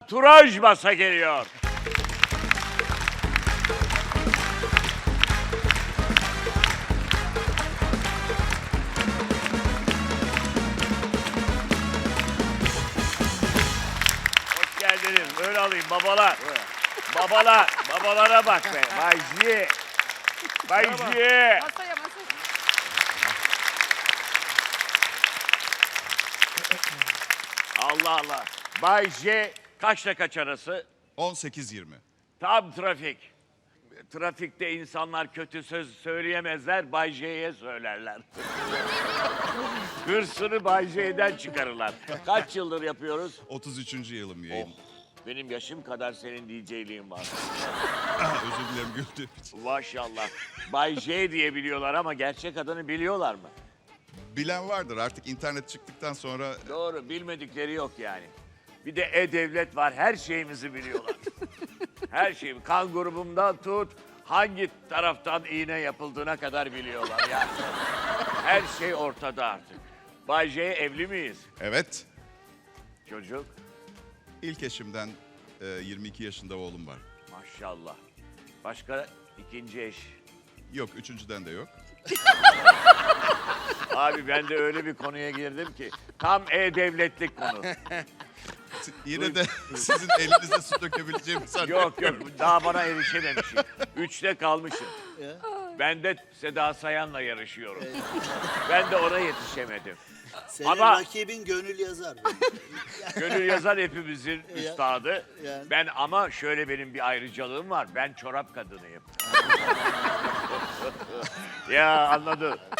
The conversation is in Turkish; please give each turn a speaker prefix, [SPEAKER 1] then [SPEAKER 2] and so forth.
[SPEAKER 1] Turaj Masa geliyor. Hoş geldiniz. Böyle alayım babalar. Babalar. Babalara bak be. Bay J. Bay J.
[SPEAKER 2] Masaya masaya.
[SPEAKER 1] Allah Allah. Bay J kaçla kaç arası?
[SPEAKER 3] 18-20.
[SPEAKER 1] Tam trafik. Trafikte insanlar kötü söz söyleyemezler, Bay J'ye söylerler. Hırsını Bay J'den çıkarırlar. Kaç yıldır yapıyoruz?
[SPEAKER 3] 33. yılım
[SPEAKER 1] Oh,
[SPEAKER 3] yayın.
[SPEAKER 1] benim yaşım kadar senin DJ'liğin var.
[SPEAKER 3] Özür dilerim güldüğüm için.
[SPEAKER 1] Maşallah. Bay J diye biliyorlar ama gerçek adını biliyorlar mı?
[SPEAKER 3] Bilen vardır artık internet çıktıktan sonra.
[SPEAKER 1] Doğru, bilmedikleri yok yani. Bir de E-Devlet var, her şeyimizi biliyorlar. Her şeyi, kan grubumdan tut, hangi taraftan iğne yapıldığına kadar biliyorlar yani. Her şey ortada artık. Bay J evli miyiz?
[SPEAKER 3] Evet,
[SPEAKER 1] Çocuk,
[SPEAKER 3] ilk eşimden 22 yaşında oğlum var.
[SPEAKER 1] maşallah. Başka ikinci eş.
[SPEAKER 3] Yok, üçüncüden de yok.
[SPEAKER 1] Abi ben de öyle bir konuya girdim ki, tam E-Devletlik konu.
[SPEAKER 3] Yine de sizin elinizde su dökebileceğimi sanıyorum.
[SPEAKER 1] Yok, daha bana erişememişim. 3'te kalmışım. Ben de Seda Sayan'la yarışıyorum. Ben de ona yetişemedim.
[SPEAKER 4] Senin
[SPEAKER 1] Ama-
[SPEAKER 4] rakibin Gönül Yazar.
[SPEAKER 1] Gönül Yazar hepimizin üstadı.
[SPEAKER 4] yani.
[SPEAKER 1] Ben ama şöyle benim bir ayrıcalığım var. Ben çorap kadınıyım. Ya anladın.